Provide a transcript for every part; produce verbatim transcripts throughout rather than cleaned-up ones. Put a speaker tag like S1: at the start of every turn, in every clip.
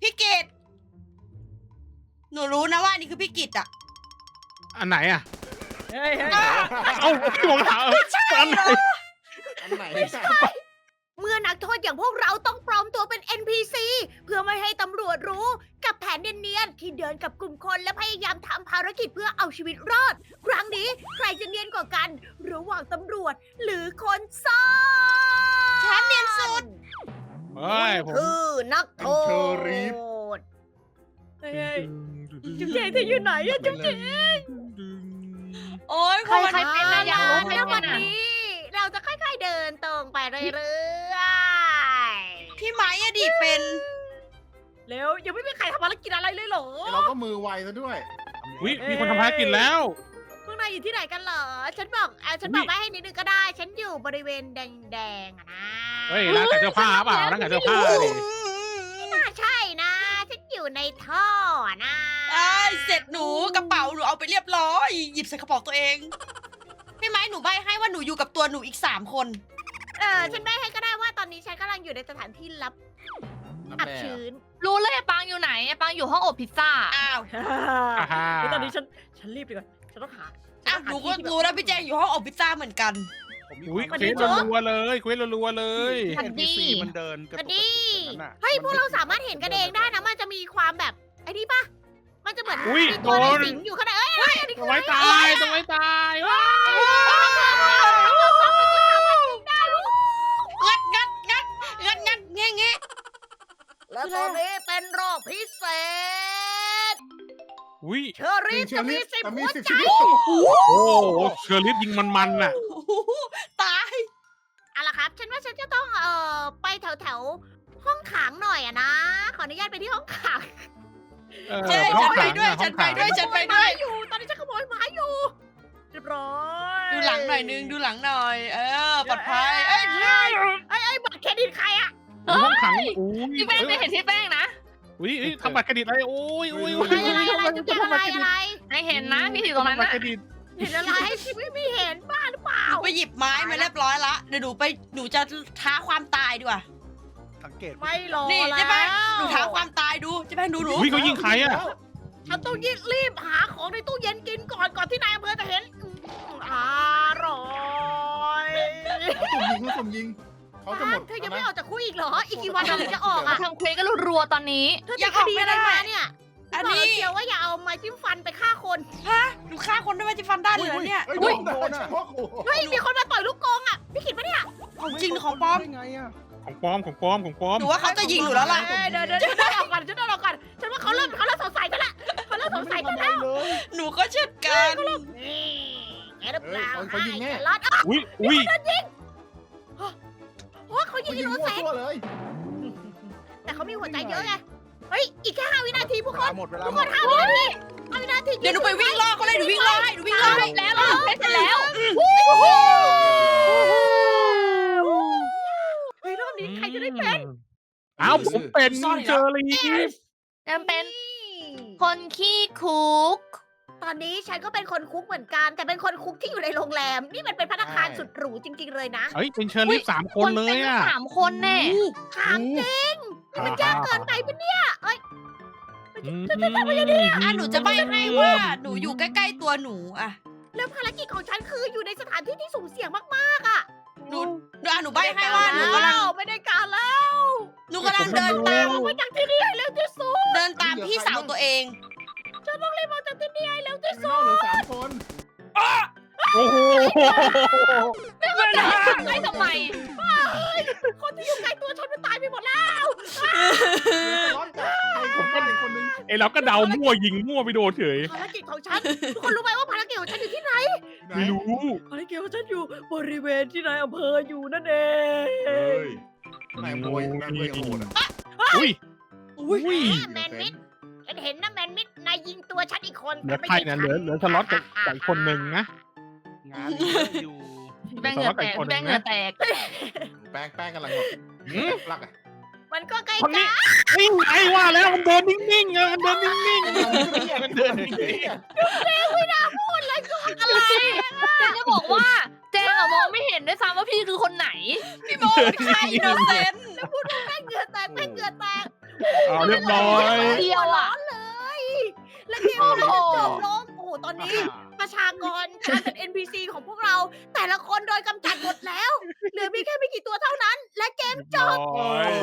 S1: พี่กิตหนูรู้นะว่านี่คือพี่กิตอะ
S2: อันไหนอ่ะ
S3: เฮ้ยเฮ้ย
S2: เอ้าพี่ผมถามอันไหน
S4: อันไหน
S5: เมื่อนักโทษอย่างพวกเราต้องปลอมตัวเป็น เอ็น พี ซี เพื่อไม่ให้ตำรวจรู้กับแผนเนียนๆที่เดินกับกลุ่มคนและพยายามทำภารกิจเพื่อเอาชีวิตรอด ครั้งนี้ใครจะเนียนกว่ากัน ระหว่างตำรวจหรือคนซ่อน
S1: ฉันเนียนสุด
S2: เฮ้ยผม
S5: คือนักโทษเฮ้ยจุ๊บแจงเธออยู่ไหนอะจุ๊บแจง
S1: โอ้ย
S6: ใครใครเป็นนะอยากรู้ใคร
S5: แล้ว
S6: เป็
S5: วัน
S6: นอ่ะ
S5: นี้เราจะค่อยๆเดินตรงไปเรื่อย
S1: พี่ไม้อะดิเป็น
S5: ๆแล้วยังไม่มีใครทำภารกิจอะไรเลยเหรอ
S4: เราก็มือไวซะด้วย
S2: วิมีคนทำภารกิจแล้ว
S5: พวกนายอยู่ที่ไหนกันเหรอ ฉันบอกอ่ะฉันบอกไว้ให้นิดนึงก็ได้ ฉันอยู่บริเวณแดงๆอะนะ
S2: เฮ้ยร้านขายเสื้อผ้าเปล่าร้านขายเสื้อผ้าดิ
S5: ไม่น่าใช่นะ ฉันอยู่ในท่อนะ
S1: ไอ้ยเสร็จหนูกระเป๋าหนูเอาไปเรียบร้อย หยิบใส่กระเป๋าตัวเอง พี่ไม้หนูใบให้ว่าหนูอยู่กับตัวหนูอีกสามคน
S5: เออ ฉันไม่ให้ก็ได้ว่าตอนนี้ฉันกำลังอยู่ในสถานที่ลับ
S4: รับ
S5: อับ
S4: แบบ
S5: ชื้น
S6: รู้เลยไอ้ปังอยู่ไหนไอ้ปังอยู่ห้องอบพิซซ่า
S1: อ้าว
S2: อ่าฮะ
S3: แล้วตอนนี้ฉัน ฉันรีบดีกว่าฉันต้องหา
S1: อ้าวหนูก็รู้แล้วพี่แจงอยู่ห้องอบพิซซ่าเหมือนกัน
S4: ผมมี
S2: อุ้ย
S4: ความ
S2: เควสรัวๆเลยเควสรัวๆเลย
S6: สวัสดี
S4: เอ็น พี ซี มันเดินกระ
S5: ก็
S4: ตุก
S5: ดี
S4: กระตุกอย่างนั้นน่ะ
S5: เฮ้ย พวกเราสามารถเห็นกันเองได้นะ มันจะมีความแบบไอ้นี่ปะมันจะเหมือน
S2: อุ้ย
S5: มี
S2: โด
S5: ตัวอะไร
S2: น
S5: สิงอยู่ข้างในเอ้ยเอ้ยอันนี้
S2: ต้
S5: คือ อง อะไร
S2: ไว้ตายต้องไว้ตายว้าว
S1: งัดงัดงัดงัดงัดแง่แง่
S5: แล้วตอนนี้เป็นรอบพิเศษ
S2: อุ้ย
S5: เชอรี่จะมีสิบ
S4: แต่มี
S5: หัว
S4: สิบ
S5: ใจ
S4: ชีวิต
S2: โอ้โหเชอร์ลิฟยิงมันๆน่ะ
S1: โอ้โหตาย
S5: เอาล่ะครับ ฉันว่าฉันจะต้องเอ่อไปแถวแถวๆห้องขังหน่อยอะนะ ขออนุญาตไปที่ห้องขัง
S2: เออ
S1: ใช่
S2: ห้อ
S1: ฉั
S2: ง
S1: นไป
S2: ขัง
S1: ด้วย
S2: อะ
S1: ฉันไป
S2: ห้องขัง
S1: ด้วยฉันไปด้วย
S5: อยู่ ตอนนี้ฉันขโมยไม้อยู่ เรียบร้อย
S1: ดูหลังหน่อยนึงดูหลังหน่อย เออปลอดภัยเอ้ย
S5: ไอ้ไอ้บัตรเครดิตใครอะ
S2: ห้องขังอุ้ย
S6: พี่แป้งไม่เห็นพี่แป้งนะ
S2: อุ้ยอุ้ยทำบัตรเครดิตอะไรโอ้ยอุ้ยอุ้ย
S5: อะไรอะไรอะไรจุ๊บแจงอะไรอะไร
S6: ไม่เห็นนะพี่ถือตรงนั้น
S2: บัตร
S6: นะ
S2: เครดิต
S5: เห็นอะไรฉันไม่มีเห็นบ้าหรือเปล่า
S1: หนูไปหยิบไม้มาเรียบร้อยละเดี๋ยวหนูไปหนูจะท้าความตายดีกว่า
S4: สังเกต
S5: ไม่รอ
S1: นี่
S5: แล้ว
S1: ใช่ไหมหนูท้าความตายดูใช่ไหมดูหนู
S2: อุ้ยเขายิงใครอ่ะ
S5: ฉันต้องรีบรีบหาของในตู้เย็นกินก่อนก่อนที่นายอำเภอจะเห็นอืมอร่อย
S4: เขาสุ่มยิงเขาสุ่มยิงเขาจะหมด
S5: เธอยังไม่ออกจากคุกอีกเหรอ อีกกี่วันเราถึงจะออกอ่ะ
S6: ทำเควสก็รัวๆตอนนี้
S5: เธอติดคดีอะไรมาเนี่ย
S1: อัน
S5: บอก
S1: นี้
S5: แล้วเชียวว่าอย่าเอาไม้จิ้มฟันไปฆ่าคน
S1: ฮะหนูฆ่าคนด้วยไม้จิ้มฟันได้เลยเหรอเนี่ย
S4: เฮ้ยโดนโดนอ่ะ
S5: เฮ้ย มีคนมาต่อยลูกกงอ่ะ พี่ขิดปะเนี่ย
S1: ของจริงหรือของปลอม
S4: ได้ไงอ่ะ
S2: ของปลอมของปลอมของปลอม
S1: หนูว่าเขาจะยิงหนูแล้วล่ะ
S5: เอ้ยเดี๋ยวเดี๋ยวเดี๋ยวเดินออกก่อนฉันเดินออกก่อนฉันว่าเขาเริ่มเขาเริ่มสงสัยฉันละเขาเริ่มสงสัยฉันแล้ว
S4: เลย
S1: หนูก็เช่นกัน
S5: นี่แกหรือเปล่า
S4: เอ้ยเขายิงแน่
S5: ไอ้แครอทอ้าว
S2: อุ้ยอุ้ย
S5: โอ้ยเขายิ
S4: เขา
S5: ง
S4: ยิ
S5: อิ
S4: ง
S5: นโน
S4: มั่ว
S5: เซน
S4: ตัวเลย
S5: แต่เขามีหัวใจเยอะไง เฮ้ย อีกแค่ห้าวินาทีพวกคน
S4: หมดเวลา
S5: ทุก
S4: ห
S5: ค
S4: ม
S5: น
S4: ด
S5: ห้าวินาทีห้าวินาที
S1: เดี๋ยวหนูไปวิ่งล่อเขาเลยหนูวิ่งล่อให้หนูวิ่งล่อให้
S6: แล้วเราเควสเสร็จแล้ว
S5: เฮ้ยรอบนี้ใครจะได้เป็น
S2: อ้าวผมเป็นเชอร์ลีฟ
S6: จำเป็นคนขี้คุก
S5: ตอนนี้ฉันก็เป็นคนคุกเหมือนกัน แต่เป็นคนคุกที่อยู่ในโรงแรม นี่มันเป็นพัตตาคารสุดหรูจริง ๆ เลยนะ
S2: เฮ้ยเป็นเชอร์ลีฟสามคนเลย
S6: ป็
S2: อ่ะ
S6: สามคนแน่
S5: ถามจริงนี่มันยากเกินไปปะเนี่ยเอ้ย
S2: อืม
S1: อ่ะหนูจะใบให้ว่าหนูอยู่ใกล้ๆตัวหนูอ่ะ
S5: แล้วภารกิจของฉันคืออยู่ในสถานที่ที่สุ่มเสี่ยงมากๆอ่ะ
S1: หนูหนูอ่ะหนูใบให้ว่าหนูกำลัง
S5: ไม่ได้การแล้ว
S1: หนูกำลังเดินตาม
S5: ออกมาจากที่นี่ให้เร็วที่สุด
S1: เดินตามพี่สาวตัวเอง
S5: ฉันต้องรีบออกจากที่นี่ให้เร็วที่
S4: ไม่
S5: สุ
S4: นอก
S5: ด
S4: เหลือสามคน
S2: โอ้โห
S6: ไม่ว่าจะให้ทำไมทำไม
S5: คนที่อยู่ใกล้ตัวฉันมันตายไปหมดแล้ว
S4: ร้อนกับใครผมก็เป็นคนนึง
S2: ไอเราก็เดามั่วยิงมั่วไปโดนเฉย
S5: ภารกิจของฉัน ทุกคนรู้ไหมว่าภารกิจของฉันอยู่ที่ไหน
S2: ไม่รู้
S3: ภารกิจของฉันอยู่บริเวณที่นายอำเภออยู่นั่นเอง
S4: เฮ้ยนายมวยนายมวยโหดอ่ะ
S2: อุ้ยอุ้ย
S5: แมนมิดฉันเห็นนะแมนมิดนายยิงตัวฉันอีกคน
S2: เหลือใครนะเหลือเหลือสล็อตกับกับอีกคนหนึ่งนะ
S4: งานเยอะอยู่
S6: พี่แป้งเหงื่อแตกพี่แป้งเหงื่อแตก
S4: แป้งแป้งกำลังแบบ
S2: หืม
S4: รักอ่ะ
S5: มันก็ใกล้
S2: คน
S5: กั
S2: นี้
S5: น
S2: นิ่งไอ้ว่าแล้วมันเดินนิ่งๆไงมันเดินนิ่งๆมันเดินนิ่ง
S5: อะไร
S6: เจนจะบอกว่าเจนอะมองไม่เห็นด้วยซ้ำว่าพี่คือคนไหน
S1: พี่โมเป็นใครอินโนเซนต์
S5: แป้งเหงื่อแตกแป้งเหงื่อแตก
S2: เอาเรียบร้อย
S6: เดียวอ่ะ
S5: เลย และเกมก็จะจบลงโอ้โหตอนนี้
S4: อ่า
S5: ประชากรการเป็น เอ็น พี ซี ของพวกเรา แต่ละคนโดนกำจัดหมดแล้ว เหลือมีแค่ไม่กี่ตัวเท่านั้น และเกมจบ
S2: โอ้ย
S1: โอ้โห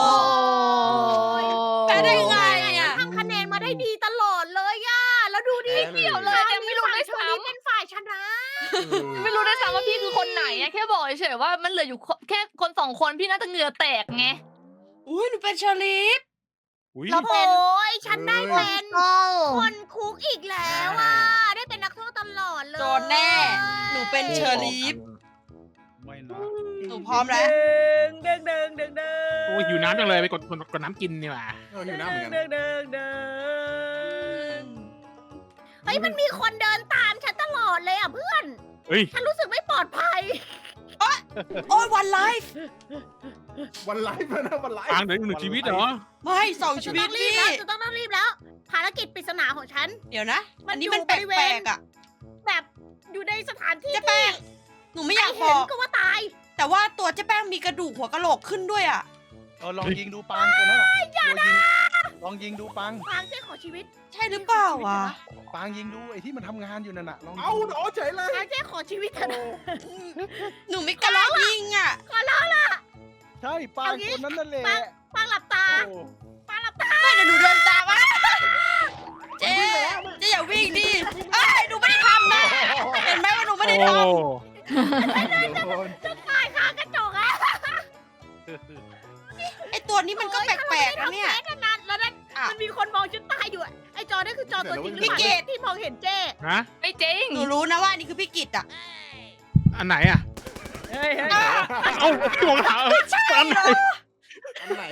S1: แพ้ได้ไงอะ
S5: ทำคะแนนมาได้ดีตลอดเลยอะแล้วดูดิ
S4: แพ้เลย
S5: เกี่ยวเลยยังไม่รู้เลยฝั่งนี้เป็นฝ่ายชนะ
S6: ไม่รู้ด้วยซ้ำว่าพี่คือคนไหนอะแค่บอกเฉยๆว่ามันเหลืออยู่แค่คนสองคนพี่น่าจะเหงื่อแตกไง
S1: อุ้ยหนูเป็นเชอรีฟ
S2: อุ้ย
S5: แล้วโอ้ยฉันได้เป็น
S6: โอ้
S5: คนคุกอีกแล้วอ่ะ ได้เป็นนักโทษตลอดเลย
S1: โดนแน่ หนูเป็นเชอรีฟ
S2: ไม่นะ
S1: หนูพร้อมแล้ว
S5: เด้งเด้งเด้งเด้ง
S2: โอ้ยหิวน้ำจังเลยไปกดกดกดน้ำกินนี่หว่า
S4: เออหิวน้ำเหมือนกัน
S5: เด้งเด้งเด้งเฮ้ยมันมีคนเดินตามฉันตลอดเลยอ่ะเพื่อน
S2: เฮ้ย
S5: ฉันรู้สึกไม่ปลอดภัย
S1: โอ้ยวันไลฟ์
S4: วันไลฟ์แล้วนะวันไลฟ์
S2: ปางเหลืออีกหนึ่งชีวิตเหรอ
S1: ไม่สองชี
S5: จะ
S1: วิ
S5: ต้
S1: ต
S5: องรีบ
S1: พี่
S5: แล้วจะต้องต้องรีบแล้ว ภารกิจปริศนาของฉัน
S1: เดี๋ยวนะ
S5: มัน
S1: อันนี้
S5: อยู่
S1: มันแป
S5: บริเวณ
S1: ลกๆอ่ะ
S5: แบบอยู่ในสถานที่
S1: เจ๊แป้ง หนูไม่อยากบ
S5: เห็
S1: อน ก
S5: ก็ว่าตาย
S1: แต่ว่าตัวเจ๊แป้งมีกระดูกหัวกะโหลกขึ้นด้วยอ่ะ
S7: เออลองยิงดูปังตัวนั้นอะอย่านะลองยิงดูปัง
S5: ฟางเจ๊ขอชีวิต
S1: ใช่หรือเปล่าอ่ะ
S7: ปังยิงดูไอ้ที่มันทำงานอยู่นั่นน่ะลองยิง
S4: เอาหนอเฉยเลย
S5: ฟางเจ๊ขอชีวิตเถอะนะ
S1: หนูไม่กล้ายิงอ่ะ
S5: ขอร้องล่ะ
S7: ใช่ปัง
S5: เอางี้
S7: ตัวนั้นนั่นแหละ
S5: ปัง ฟางหลับตา
S7: โอ้
S5: ฟางหลับตา
S1: ไม่เดี๋ยวหนูเดินตามอ่ะเจ๊เจ๊อย่าวิ่งดิเอ้ยหนูไม่ได้ทำนะ เห็นไหมว่าหนูไม่ได้
S2: โอ้
S1: ท
S4: เดี๋ยวโดน
S5: จะตายคากระจกอะ
S1: ำไอตัวนี้มันก็แปลกๆนะเนี่ย
S5: ทำเฟซนานแล้วนั่น
S1: อ่ะ
S5: มันมีคนมองฉันตายอยู่อะไอจอนั่นคือจอตัวจริงหรือเป
S1: พี่
S5: ล่า
S1: เกด
S5: ที่มองเห็นเจ้
S2: ฮะ
S6: ไม่จริง
S1: หนูรู้นะว่านี่คือพี่กิตอ่ะ
S2: อันไหนอ่ะ
S5: เฮ้ย
S2: เอ้าพี่วงหาอันไหน
S4: อันไหน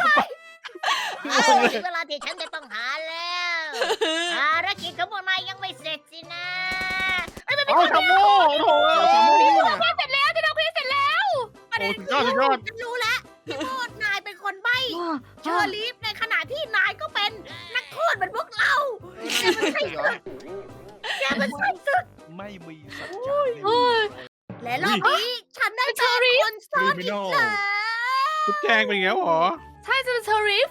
S5: ถึงเวลาที่ฉันจะต้องหาแล้วภารกิจของพวกนายยังไม่เสร็จสินะเอ้ยมันมี
S2: เอ้า
S5: คน
S2: ชาโม่โถ่
S4: ชาโม่นี่ไง
S5: เสร็จแล้วที่เราคุยเสร็จแล้วประเด็น
S2: โอ้สุดยอดสุดยอด
S5: ฉันรู้แล้วพี่โมดนายเป็นคนใบ้เชอร์ลีฟในขณะที่นายก็เป็นนักโทษเหมือนพวกเราแกมันใช่ศึกแกมันใช่ศึก
S7: ไม่มีสัจจะ
S6: เฮ้ย
S5: และรอบนี้ฉันได้เป็นคนซ่อนอีกแล้ว
S2: ทุกแจงเป็นอย่างเงี้ยเหรอ
S6: ใช่จะเป็นเชอริฟ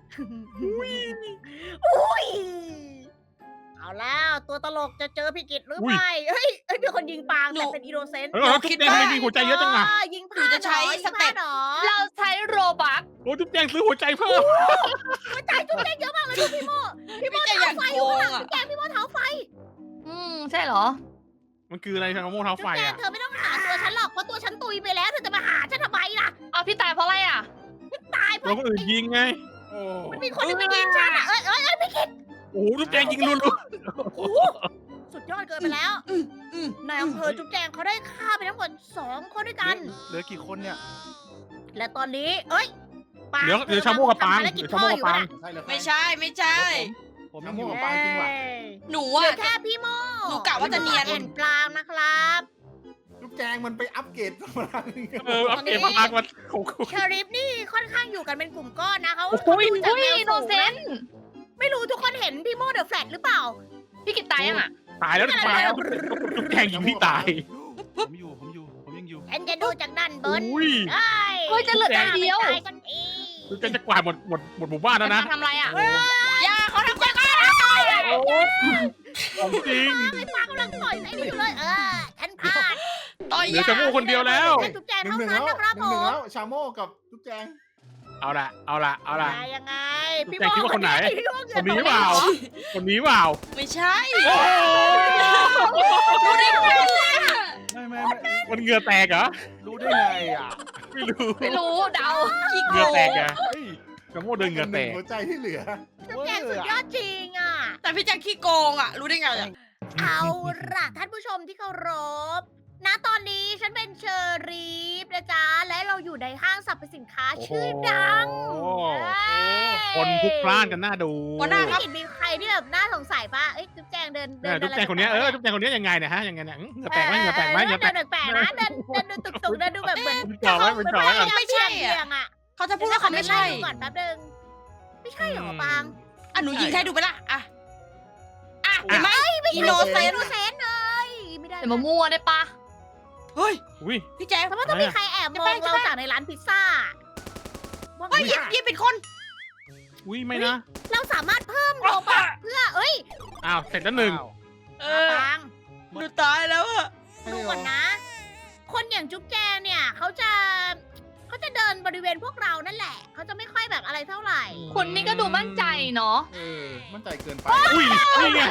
S5: อุ้ยเอาแล้วตัวตลกจะเจอพี่กิตหรือ
S2: อุ้ย
S5: ไม่เฮ้ยเอ้ยมีคนยิงปาง
S1: หนู
S5: แต่เป็นอีโนเซนต์
S2: เฮ้ยแล้วทุกแจงทำไมมีหัวใจเยอะจังอ่ะ
S5: ยิง
S1: หนูจะใช้สเต็ป
S5: หรอ
S6: เราใช้โรบัก
S2: โอ้ทุกแจงซื้อหัวใจเพิ่ม
S5: หัวใจจุ๊บเล็กเยอะมากเลยดูพี่โมพี่โม
S1: พี่จะอ
S5: เท้า
S1: ย่าง
S5: ไฟอ
S1: โก
S5: ยู่
S1: ง
S5: ข้างหลัง
S1: อ่ะ
S5: จุ๊บแจงพี่โมเท้าไฟ
S6: อืมใช่เหรอ
S2: มันคืออะไรชาโม่เท้า
S5: จุ๊
S2: ไฟ
S5: บแจง
S2: อ่ะ
S5: เธอไม่ต้องหาตัวฉันหรอกเพราะตัวฉันตุยไปแล้วเธอจะมาหาฉันทำไมล่ะ
S6: เอาพี่ตายเพราะอะไรอ่ะ
S5: ตายเพ
S2: เรา
S5: ราะ
S2: คนอื่นยิงไง
S4: โอ้
S5: มันมีคนที่ไปยิงฉันอ่ะเอ้ยเอ้ยเอ้ยพี่กิต
S2: โอ้โหทุกแจงยิงรัว
S5: โอ้โหสุดยอดเกินไปแล้ว
S1: อืมอืม
S5: นายอำเภอจุ๊บแจงเขาได้ฆ่าไปทั้งหมดสองคนด้วยกัน
S7: เหลือกี่คนเนี่ย
S5: และตอนนี้ เอ้ยปาง
S2: เดี๋ยวเดี๋ยวชาโม่กับปาง
S5: ทำภรกิจ
S2: เดี๋ยวชาโม่กับปาง
S4: ใช่เลย
S1: ไม่ใช่ไม่ใช่
S7: ผมยั
S4: ชาง
S7: อ
S4: โม่
S7: ยู่
S4: กับปางจริงว่ะ
S1: หนู
S5: เหลื
S1: อ่ะ
S5: อแค่พี่โม
S1: หนูกะว่าจะเนียน
S5: แอนปลางนะครับ
S4: ลูกแจงมันไปอัปเกรดพลัง
S2: เอออัปเกรดพลังมันโอ้โห
S5: เชอริฟนี่ค่อนข้างอยู่กันเป็นกลุ่มก้อนนะเขา
S2: โอ้โห
S5: เขาดูจาก
S6: อุ้ย
S5: แนว
S6: อินโน
S5: สูง
S6: เซ
S5: นะ
S6: นต์
S5: ไม่รู้ทุกคนเห็นพี่โมเดอะแฟลตหรือเปล่า
S6: พี่กิตตายยังอ่ะ
S2: ตายแล้วตายแล้วทุกแจงยิงพี่ตาย
S7: ผมอยู่ผมอยู่ผมยังอยู่
S5: ฉันจะดูจากด้านบน
S2: อุ้ย
S5: ได้
S6: เฮ้ยจะเหลือแต่เดียว
S5: ไม่ตายสักที
S2: ทุกแจงจะกวาดหมดหมดหมดหมู่บ้านแล้วนะ
S6: ทำอะไรอ่ะ
S1: อย่าเขาทำอย่างนั้น
S2: โอ้ของจริง
S5: ไอ้ปางกำลังต่อยไอ้นี่อยู่เลยเออฉันพลาด
S1: ต่อย
S2: เหลือย
S1: า
S2: ชาโม่คนเดียวแล้ว
S5: แค่จุ๊บแจง
S4: หนึ่ง
S5: เท่า
S4: หนึ่ง
S5: นั้น
S4: แล้ว
S5: นะครับ
S4: ห
S5: ผ
S4: นึ่งหนึ่ง
S5: ม
S4: แล้วชาโม่กับลูกแจง
S2: เอาละเอาละเอาละ
S5: ยังไง
S2: จุ๊บแจงคิดว่าคนไหน
S5: พี่โม่
S2: คนนี้เปล่า คนนี้เปล่า
S1: ไม่ใช่
S7: ไม่ไม่ไม่
S2: มันเหงื่อแตกเหรอ
S7: รู้ได้ไงอ่ะ
S2: ไม่รู้
S6: ไม่รู้เดา
S1: ขี้โก
S2: เหงื่อง แตกไง
S7: เฮ้ย
S2: ชาโม่เดินเหงื่อแตก
S4: หัวใจที่เหลือ
S5: จุ๊บแจงสุดยอดจริงอ่ะ
S1: แต่พี่แจ็คขี้โกงอ่ะ รู้ได้ไงอ่ะ
S5: เอาล่ะท่านผู้ชมที่เคารพณตอนนี้ฉันเป็นเชอรีฟนะจ๊ะ และเราอยู่ในห้างสรรพสินค้าชื่อดัง
S2: โอ้โห
S5: เอ้ย
S2: คนพลุกพล่านกันหน้าดู
S1: หัวหน้าครับ
S5: ไม่เห็นมีใครที่แบบน่าสงสัยปะเอ้ยจุ๊บแจงเดินเดิ
S2: เนี่ย
S5: น
S2: จุ๊บแจงคนเนี้ยเออจุ๊บแจงคนเนี้ยยังไงเนี่ยฮะยังไงเนี่ยเหงื่อแตกไหมเหงื่อแตกไหมเหงื่อแตก
S5: เดินแปลกๆนะเดินเดินดูตุกๆเดินดูแบบเหมือน
S2: มันจ่อไว้มันจ่อไว้ก่อน
S1: ไม่ใช่อะ
S5: เบี่ยงๆอ่ะ
S1: เขาจะพูดว่าเขาไม่ใช่
S5: ดี๋ยวขอเดินไล่ดูก่อนแป๊บนึงไม่ใช่เหรอปาง
S1: อ่ะหนูยิงให้ดูไปละอ่ะ อ่ะเห็นไหมอินโนเซน
S5: โนเซนเลยไม่ได้
S6: แต่มามั่วได้ปะ
S1: เฮ้ย
S2: อุ้ย
S1: พี่แจ็ค
S5: แต่ว่าต้องมีใครแอบมองเราจากในร้านพิซซ่าว่า
S1: เฮ้ยยิบยิบเป็นคน
S2: อุ้ยไม่นะ
S5: เราสามารถเพิ่มโลบัคเพื่อเอ้ย
S2: อ้าวเสร็จแล้วหนึ่ง
S7: อ้าว
S1: เอ
S5: ป
S1: อ
S5: าง
S1: หนูตายแล้วอะ
S5: ดูก่อนนะ คนอย่างจุ๊บแจงเนี่ยเขาจะเขาจะเดินบริเวณพวกเรานั่นแหละเขาจะไม่ค่อยแบบอะไรเท่าไหร่
S6: คุณนี่ก็ดูมั่นใจเนาะ
S4: เออ มั่นใจเกินไป
S2: อุ้ยนี่ไง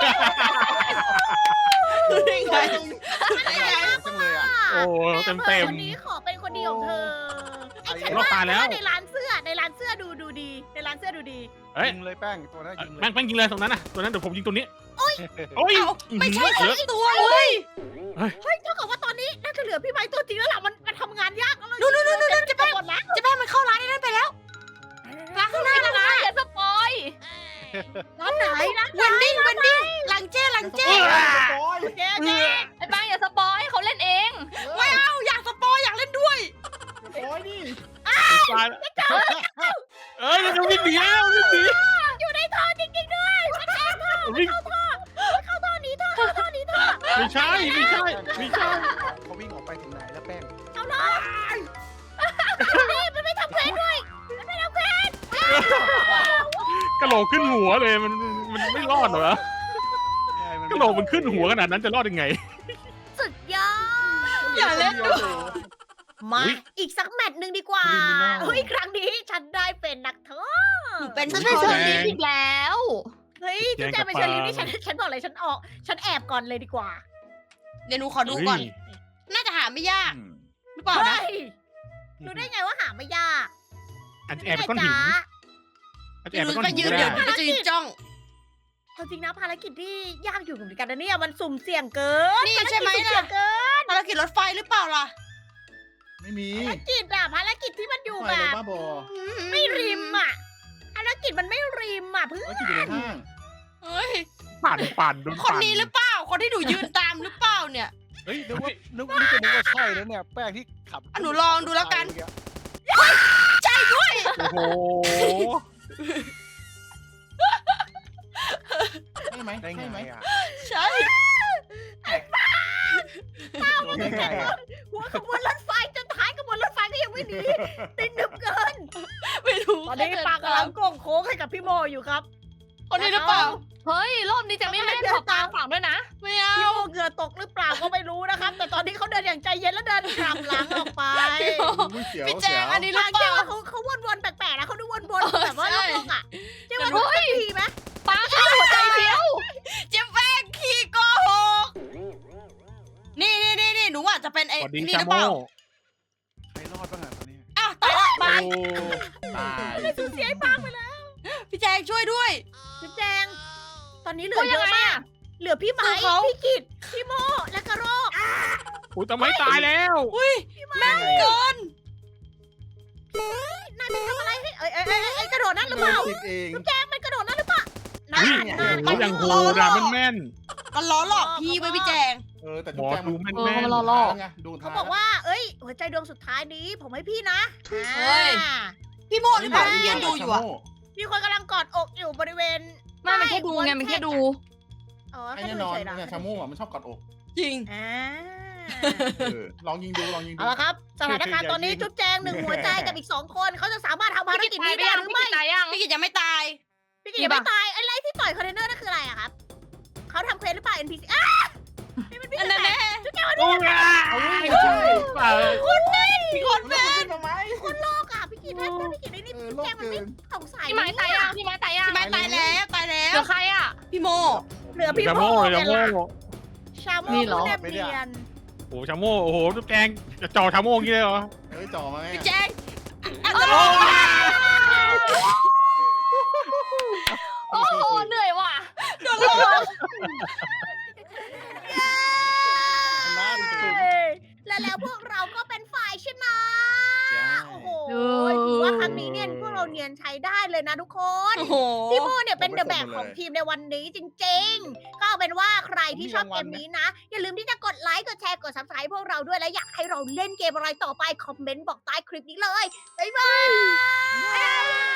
S1: นี่ไง
S4: ไม่ไงจังเลยอ่ะ
S2: โอ้เต็มเต็ม
S5: คนนี้ขอเป็นคนดีของเธอไอ้ฉัน
S2: รอบ
S5: ว่า
S2: ตายแล้ว
S5: ในร้านเสื้อในร้านเสื้อดูดูดี ในร้านเสื้อดูดี
S2: เฮ้ย
S7: ยิงเลยแป้งตัวนั้นยิงเลย
S2: แม่งแม่งยิงเลยตรงนั้นน่ะตัวนั้นเดี๋ยวผมยิงตัวนี้โอ้ย
S1: เอาไม่ใช่
S2: เย
S1: สั
S2: อะ
S1: กตัวเลย
S5: เฮ้ยเท่ากับว่าตอนนี้น่าจะเหลือพี่ไม้ตัวจริงแล้วล่ะมันมันทำงานยากแล้วเลย
S1: นู่นนู่นนู่นนู่นจะ
S5: ไป
S1: แป้ง
S5: หมดแล้ว
S1: จะแป้งมันเข้าร้านนั้นไปแล้วร้านข้างหน้านะนะ
S6: อย่าสปอย
S5: ร้านไหนนะ
S1: เวนดิ้งเวนดิ้งหลังเจ้หลังเจ้
S4: โอ้ย
S5: เจ๊เจ๊
S6: ไอ้ป้างอย่าสปอยเขาเล่นเอง
S1: ไม่เอาอยากสปอยอยากเล่นด้วย
S4: โอ้ยนี่
S2: ตายแล้วเอ้ยมันจะวิ่งหนีแล้ววิ่งหนี
S5: อยู่ในท่อจริงๆด้วยมันแอบท่อ
S2: วิ่ง
S5: เข้าท่อเข้าท่อนี้ท่อเข้าท่อนี้ท่อ
S2: ไม่ใช่ไม่ใช่ไม่ใช่
S7: เขาวิ่งออกไปถึงไหนแล้วแป้ง
S5: เอาเลยนี่มันไม่ทำเควสด้วยมันไม่ทำเควส
S2: กระโหลกขึ้นหัวเลยมันมันไม่รอดเหรอ
S7: ใช่มัน
S2: กระโหลกมันขึ้นหัวขนาดนั้นจะรอดยังไง
S5: สุดยอด
S1: อย่าเล่นด้วย
S5: มา
S2: อุ๊ย
S5: อีกสักแมตช์หนึ่งดีกว่า
S4: Criminal
S5: เฮ้ยครั้งนี้ฉันได้เป็นนักโทษ
S1: หนูเป็น
S6: ฉัน
S1: ผู้
S6: เป็น
S1: ช
S6: เชอ
S1: ม
S6: ร์ลีฟอีกแล้ว
S5: เฮ้ย
S2: แย่
S5: จุ๊
S2: ง
S5: บแจ
S2: กับ
S5: งเป็นเชอรี่
S2: ปลา
S5: นี่ฉันฉันบอกเลยฉันออก ฉันแอบก่อนเลยดีกว่า
S1: เดี๋ยวหนูขอดูก่อน น่าจะหาไม่ยาก
S7: อืม
S1: หรือเปล่านะ
S5: เฮ้ยรู้ได้ไงว่าหาไม่ยาก
S2: อาจจะแอบไปก้อนหิน
S5: จ๊ะ
S2: อาจจะแอบ
S1: ห
S2: ไป
S1: นู
S2: ก้อน
S1: ไป
S2: หิน
S1: ยืน
S2: ก็
S1: เดี๋
S2: ได้
S1: ยวหนูก็จะยืนจ้อง
S5: เอาจริงนะภารกิจที่ยากอยู่เหมือนกันนะเนี่ยมันสุ่มเสี่ยงเกิน
S1: นี่ใช่ไหม
S5: ภารกิจสุ่เสี่ย
S1: ล่ะ
S5: งเกิน
S1: ภารกิจรถไฟหรือเปล่าล่ะ
S4: ไม่มี
S5: ภารกิจอะภารกิจที่มันอยู่
S4: ไป
S5: แบ
S4: เลย
S5: บ
S4: บ้าบอ
S5: ไม่ริมอะภารกิจมันไม่ริมอะเพื่อน
S4: แล้วกินอยู่ในห้าง
S1: เฮ้ย
S2: ปั่นปั่นโดน
S1: คน
S2: ปั่น
S1: นี้หรือเปล่า คนที่หนูยืนตามหรือเปล่าเนี่ย
S7: เฮ้ยนึกว่านึกนี่ก็นึกว่าใช่แล้วเนี่ยแป้งที่ขับ
S1: อ่ะหนูลองดูแล้วกันใช่ด้วย
S2: โอ้โห
S4: ใช่ไหม
S7: ได้ไง
S4: ใช่ไหม
S7: อ่ะ
S1: ใช่
S7: โดนได้ไงอ่ะ
S5: หัวขบวนรถไฟจนท้ายขบวนรถไฟก็ยังไม่หนีติดหนึบเกิน
S1: ไม่รู้
S5: ตอนนี้ปากกำลังโก่งโค้งให้กับพี่โมอยู่ครับ
S1: คนนี้หรือเปล่า
S6: เฮ้ย รอบนี้จะไม่แม่นขอปางฝั่งด้วยนะ
S1: ไม่เอา
S5: พี่โมเหงื่อตกหรือเปล่าก็ไม่รู้นะครับ แต่ตอนนี้เขาเดินอย่างใจเย็นแล้วเดินกลับหลังออกไป
S4: อุ้ยเสียว
S1: พี่แจ
S4: เสีย
S1: ง
S4: ว
S1: อันนี้หรือ
S5: ทาง
S1: เป
S5: เจ๊
S1: ล่า
S5: ว่าเขาเขาวนๆแปลกๆนะเขาดูวนๆแบบว่า
S1: ใช่
S5: โลกๆอ่ะเจ๊ว่าเขาสักทีไหม
S6: ปางแค่หัวใจเดียว
S1: เจ๊แป้งขี้โกหก นี่นี่นี่นี่หนูอาจจะเป็นไอ้
S2: สวัสดี
S1: นี่
S2: ชา
S1: หรือ
S2: โม
S1: เปล่า
S7: ใครรอดบ้างอ่ะตอนนี้
S1: อ้าวตายละ
S2: โอ้
S1: บาย
S4: ตาย
S5: ไม่สูญเสียไอ้ปางไปแล้ว
S1: พี่แจงช่วยด้วย
S5: จุ๊บแจง ตอนนี้เหลื
S6: ก็
S5: อเย
S6: ยัง
S5: อะ
S6: ไง
S5: มาก
S6: อะ
S5: เหลือพี่ไม้
S1: สู้เขา
S5: พี่กิตพี่โมและกระโรก
S2: โหทำไมตายแล้ว
S1: อุ้ยแม่นเกิน
S5: นายไปทำอะไรให้เอ้ยเอ้ยเอ้ยเอ้ยกระโดดนั่นหรือเปล่า
S4: ติดเอง
S5: จุ๊บแจงมันกระโดดนั่นหรือเปล่านั่น
S2: อุ้ย
S5: นั่น
S2: โอ้โหอย่างโหดอะแม่น
S1: มันล้อหลอกพี่ไว้พี่แจง
S4: เออแต่
S2: ๆหม
S4: จุ๊
S2: อ
S4: แจง
S2: ดูแม่น
S6: เออ
S2: แม่น
S6: มันรอรอ
S4: ไงดู
S5: เขาบอกว่า เอ้ย หัวใจดวงสุดท้ายนี้ ผมให้พี่นะ
S1: เฮ้ย
S5: อ่า
S1: พี่โมหรือเปล่าที่ยืนดูอยู่อะ
S5: มีคนกำลังกอดอกอยู่บริเวณ
S6: ไม่มันแค่ดูไง มันแค่ดู
S5: อ๋อ
S4: ไอ้
S5: แค่
S4: แน่
S5: ดู
S4: นอน
S5: เฉยๆเหรอ
S4: เนี่ยชาโม่อะมันชอบกอดอก
S1: จริง
S5: อ่า
S4: เออลองยิงดูลองยิงดู
S5: เอาละครับ สถานการณ์ตอนนี้จุ๊บแจงหนึ่งหัวใจกับอีกสองคน เขาจะสามารถทำภาร
S6: พี่
S5: กิ
S6: กิ
S5: จ
S6: ตตาย
S5: นี้
S6: ไป
S5: ได้
S6: ยัง
S5: หรือ
S6: พี่
S5: ไม่
S6: กิตตายยัง
S1: พี่กิจยังไม่ตาย
S5: พี่กิจยังไม่ตายอะไรที่ปล่อยคอนเทนเนอร์นั่นคืออะไรอะครับ เขาทำเควสหรือเปล่า เอ็น พี ซี อ้านี่มันพี่
S1: อัน
S5: แป
S1: นั้น
S5: ล
S1: แน่
S5: กจุ๊บแจงมาดู
S2: โอ้ย
S4: เอาเว้ย
S2: ใช่เปล่า
S1: มีคน
S4: มันเอาขึ้นทำไม
S5: คนโลกอะพี่กิจถ้าถ้าพี่กิจได้นี่
S4: เออ
S5: จุ๊บ
S4: โล
S5: แจ
S4: ก
S5: งมัน
S4: เกิ
S5: ไม่
S4: น
S5: สงสัย
S6: พี่ไม้ตายยังพี่ไม้ตายยัง
S1: พี่ไม้ตายแล้วตายแล้
S6: เหลื
S1: ว
S6: อใครอ่ะ
S1: พี่โม
S5: เหลือพี่
S2: ชา
S5: โม
S2: โม่
S5: เนี่
S2: ชาย โม่
S5: ล่ะชาโม
S6: นี่เหรอ
S5: ผู้แนบเนียน
S2: โอ้โหชาโม่โอ้โหลูกแกงจะจ่อชาโม่อย่างนี้เลยเหรอ
S4: เฮ้ยจ่อมาไง
S1: พี่
S4: อะ
S1: แจง
S6: โอ้โหเหนื่อยว่ะ
S1: โดนหลอก
S7: ชนะดิสุด
S5: เอ้ยและแล้วพวกเราก็เป็นฝ่ายชนะ
S4: ใช่
S5: โอ้โหถือว่าครั้งนี้เนี่ยพวกเราเนียนใช้ได้เลยนะทุกคน
S1: โอ้โห
S5: พี่โมเนี่ยเป็นเดอะแบกของทีมในวันนี้จริงๆ ก็เอาเป็นว่าใครที่ชอบเกมนี้นะ อย่าลืมที่จะกดไลค์กดแชร์กด ซับสไครบ์ พวกเราด้วยและอยากให้เราเล่นเกมอะไรต่อไปคอมเมนต์บอกใต้คลิปนี้เลยบ๊ายบาย